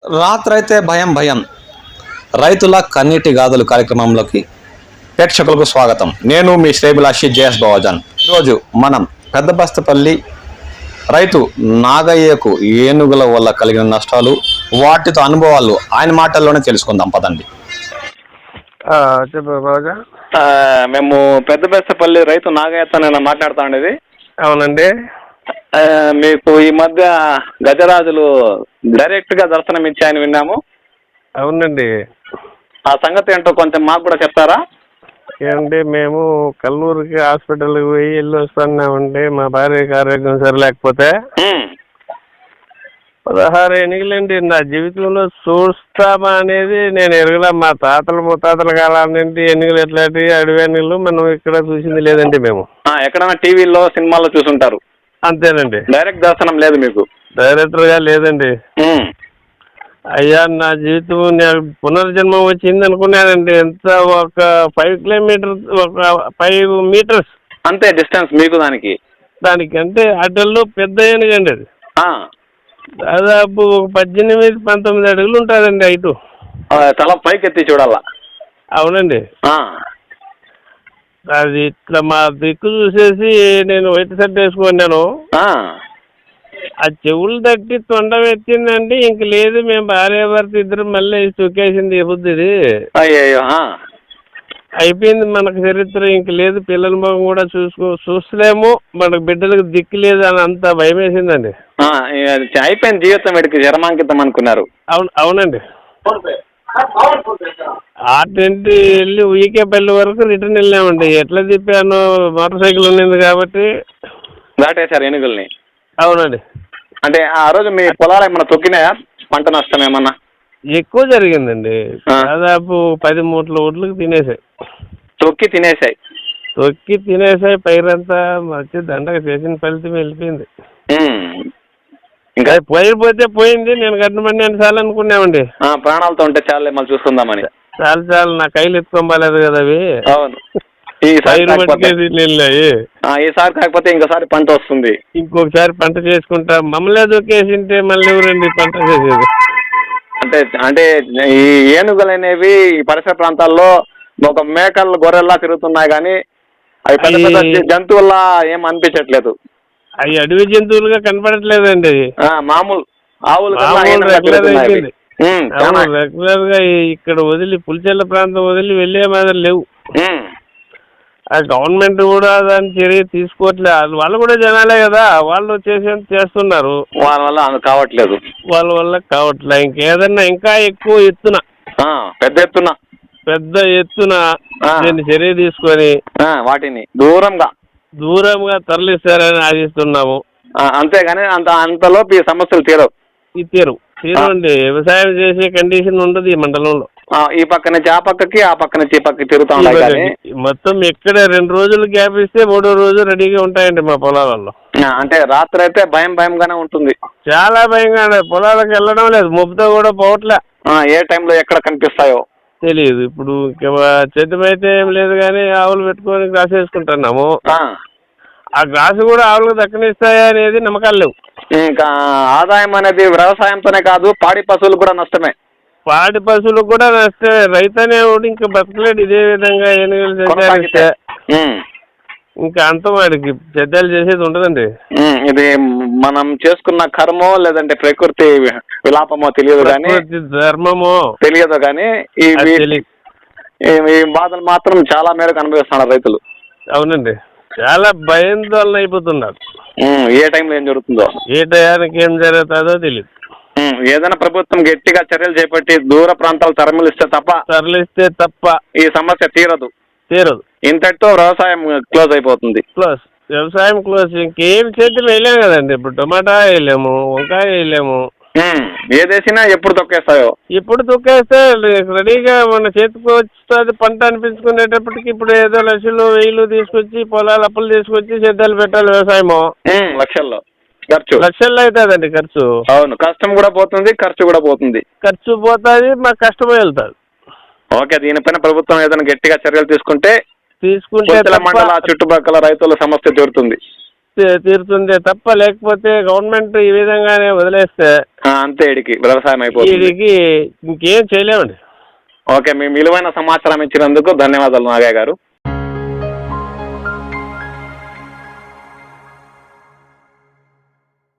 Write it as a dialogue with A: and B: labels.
A: రాత్రైతే భయం భయం రైతుల కన్నీటి గాథలు కార్యక్రమంలోకి ప్రేక్షకులకు స్వాగతం. నేను మీ శ్రేభిలాషి జేఎస్ బావజాన్. ఈరోజు మనం పెద్దబస్తపల్లి రైతు నాగయ్యకు ఏనుగుల వల్ల కలిగిన నష్టాలు, వాటితో అనుభవాలు ఆయన మాటల్లోనే తెలుసుకుందాం పదండి.
B: మేము పెద్దబస్తపల్లి రైతు నాగయ్యతో నేను మాట్లాడుతా ఉండేది.
C: అవునండి.
B: మీకు ఈ మధ్య గజరాజులు డైరెక్ట్ గా దర్శనం ఇచ్చాయని విన్నాము.
C: అవునండి.
B: ఆ సంగతి ఏంటో కొంచెం మాకు కూడా చెప్తారా?
C: ఏమండి, మేము కల్లూరుకి హాస్పిటల్కి పోయి వెళ్ళి వస్తున్నామండి. మా భార్యకి ఆరోగ్యం సరిలేకపోతే 16 ఎన్నికలండి. నా జీవితంలో చూస్తామా అనేది నేను ఎరగలా. మా తాతలు ముత్తాతల కాలం నుండి ఎన్నికలు ఎట్లాంటి అడవి ఎన్నికలు మనం ఇక్కడ చూసింది లేదండి. మేము
B: ఎక్కడైనా టీవీలో సినిమాలో చూసుంటారు.
C: అంతేనండి.
B: డైరెక్ట్ దర్శనం లేదు మీకు?
C: డైరెక్టర్గా లేదండి. అయ్యా, నా జీవితం నేను పునర్జన్మం వచ్చింది అనుకున్నానండి. ఎంత ఒక 5 కిలోమీటర్స్, ఒక 5 మీటర్స్
B: అంతే డిస్టెన్స్ మీకు
C: దానికంటే అటల్లో పెద్ద ఏనుగండి అది. దాదాపు ఒక 18-19 అడుగులు ఉంటుందండి హైటు.
B: తల పైకి ఎత్తి చూడాలా?
C: అవునండి. అది ఇట్లా మా దిక్కు చూసేసి నేను వైట్ షర్ట్ వేసుకున్నాను. ఆ చెవులు తట్టి తొండం ఎత్తిందండి. ఇంక లేదు, మేము భార్య భర్త ఇద్దరు మళ్ళీ తొక్కేసింది బుద్ధిది. అయిపోయింది మనకు చరిత్ర. ఇంక లేదు, పిల్లల మొహం కూడా చూస్తలేము, మనకు బిడ్డలకు దిక్కు లేదు అని అంత భయం వేసిందండి.
B: అయిపోయింది జీవితం, వీడికి జన్మాంకితం అనుకున్నారు.
C: అవునండి. ఆటంటి వెళ్ళి ఉయ్యకేపల్లి వరకు రిటర్న్ వెళ్ళామండి. ఎట్లా తిప్పాను, మోటార్ సైకిల్ ఉన్నింది కాబట్టి
B: దాటేశారు ఏనుగుల్ని.
C: అవునండి.
B: అంటే ఆ రోజు మీ పొలాలు ఏమన్నా తొక్కినాయా? పంట నష్టం ఏమన్నా
C: ఎక్కువ జరిగిందండి. దాదాపు 10 మూటల ఒడ్లకు తినేసాయి.
B: తొక్కి తినేసాయి. పైరంతా వచ్చి దండగా చేసిన ఫలితం వెళ్ళిపోయింది. ఇంకా పోయిపోతే పోయింది. నేను కట్టబడి చాలు అనుకున్నామండి. ప్రాణాలతో ఉంటే చాలే, మళ్ళీ చూసుకుందామని.
C: చాలు, నా కైలు ఎత్తుకోలేదు కదా అవి.
B: అవును.
C: ఈసారి
B: కాకపోతే ఇంకోసారి పంట వస్తుంది.
C: ఇంకొకసారి పంట చేసుకుంటా. మమ్మల్ని దొక్కేసింటే మళ్ళీ ఎవరండి పంట చేసేది?
B: అంటే ఈ ఏనుగులు అనేవి ఈ పరిసర ప్రాంతాల్లో ఒక మేకలు గొర్రెల్లా తిరుగుతున్నాయి, కానీ అవి పెద్ద పెద్ద జంతువుల్లా ఏం అనిపించట్లేదు.
C: అవి అడవి జంతువులుగా కనపడట్లేదండి.
B: మామూలు ఆవులు
C: రెగ్యులర్ గా ఇక్కడ వదిలి పులిచెల్ల ప్రాంతం వదిలి వెళ్ళే మాదిరి లేవు. ఆ గవర్నమెంట్ కూడా దాని చర్య తీసుకోవట్లేదు. వాళ్ళు కూడా జనాలే కదా, వాళ్ళు చేస్తున్నారు.
B: వాళ్ళ వల్ల
C: కావట్లే. ఇంకేదన్నా ఇంకా ఎక్కువ ఎత్తున పెద్ద ఎత్తున దీన్ని చర్య తీసుకొని
B: వాటిని దూరంగా
C: తరలిస్తారని ఆశిస్తున్నాము.
B: అంతేగాని అంతలోపు ఈ సమస్యలు
C: తీరండి. వ్యవసాయం చేసే కండిషన్ ఉండదు ఈ మండలంలో.
B: ఈ పక్క నుంచి ఆ పక్కకి, ఆ పక్క నుంచి ఈ పక్కకి తిరుగుతా ఉంటాయి.
C: మొత్తం ఎక్కడ 2 రోజులు గ్యాప్ ఇస్తే 3వ రోజు రెడీగా ఉంటాయండి మా పొలాలలో.
B: అంటే రాత్రి అయితే భయంగానే ఉంటుంది.
C: చాలా భయంగా. పొలాలకు వెళ్ళడం లేదు, మొబ్బుతో కూడా పోవట్లే.
B: ఏ టైంలో ఎక్కడ కనిపిస్తాయో
C: తెలియదు. ఇప్పుడు చెట్టు అయితే ఏం లేదు, కానీ ఆవులు పెట్టుకొని గ్రాస్ వేసుకుంటున్నాము. ఆ గ్రాసు కూడా ఆవులకు దక్కనిస్తాయా అనేది నమ్మకాలు లేవు.
B: ఇంకా ఆదాయం అనేది వ్యవసాయంతోనే కాదు, పాడి పశువులు కూడా నష్టమే.
C: రైతు అనేవాడు ఇంకా బతకలేడు ఇదే విధంగా. ఏనుగులు ఇంకా అంత వాడికి చెడ్డలు చేసేది ఉండదండి. ఇది
B: మనం చేసుకున్న కర్మో లేదంటే ప్రకృతి విలాపమో తెలియదు, కానీ
C: ధర్మమో
B: తెలియదు, కానీ ఈ బాధలు మాత్రం చాలా మేరకు అనుభవిస్తున్నారు రైతులు.
C: అవునండి. చాలా భయాందోళన అయిపోతున్నారు.
B: ఏ టైంలో ఏం జరుగుతుందో,
C: ఏ టయానికి ఏం జరుగుతుందో తెలియదు.
B: ఏదైనా ప్రభుత్వం గట్టిగా చర్యలు చేపట్టి దూర ప్రాంతాలు తరలిస్తే తప్ప ఈ సమస్య తీరదు. ఇంతటితో వ్యవసాయం క్లోజ్ అయిపోతుంది.
C: వ్యవసాయం క్లోజ్. ఇంకేం చేతులు వేయలేము కదండి. ఇప్పుడు టమాటా వేయలేము, వంకాయ వేయలేము.
B: ఏదేసినా ఎప్పుడు తొక్కేస్తాయో.
C: ఇప్పుడు తొక్కేస్తే రెడీగా మన చేతికి వస్తుంది పంట అనిపించుకునేటప్పటికి ఇప్పుడు ఏదో లక్షలు 1000 తీసుకొచ్చి పొలాలు అప్పులు తీసుకొచ్చి సేద్యాలు పెట్టాలి. వ్యవసాయమో
B: లక్షల్లో
C: అవుతుందండి ఖర్చు.
B: అవును, కష్టం కూడా పోతుంది, ఖర్చు కూడా పోతుంది.
C: మాకు కష్టమే వెళ్తాది.
B: ఓకే, దీనిపైన ప్రభుత్వం ఏదైనా గట్టిగా చర్యలు తీసుకుంటే మండల చుట్టుపక్కల రైతుల సమస్య తీరుతుంది.
C: తీరుతుందే తప్ప, లేకపోతే గవర్నమెంట్ ఈ విధంగానే వదిలేస్తే
B: అంతే ఇడికి వ్యవసాయం అయిపోతుంది.
C: వీడికి ఇంకేం చేయలేమండి.
B: ఓకే, మీ విలువైన సమాచారం ఇచ్చినందుకు ధన్యవాదాలు నాగయ్య గారు.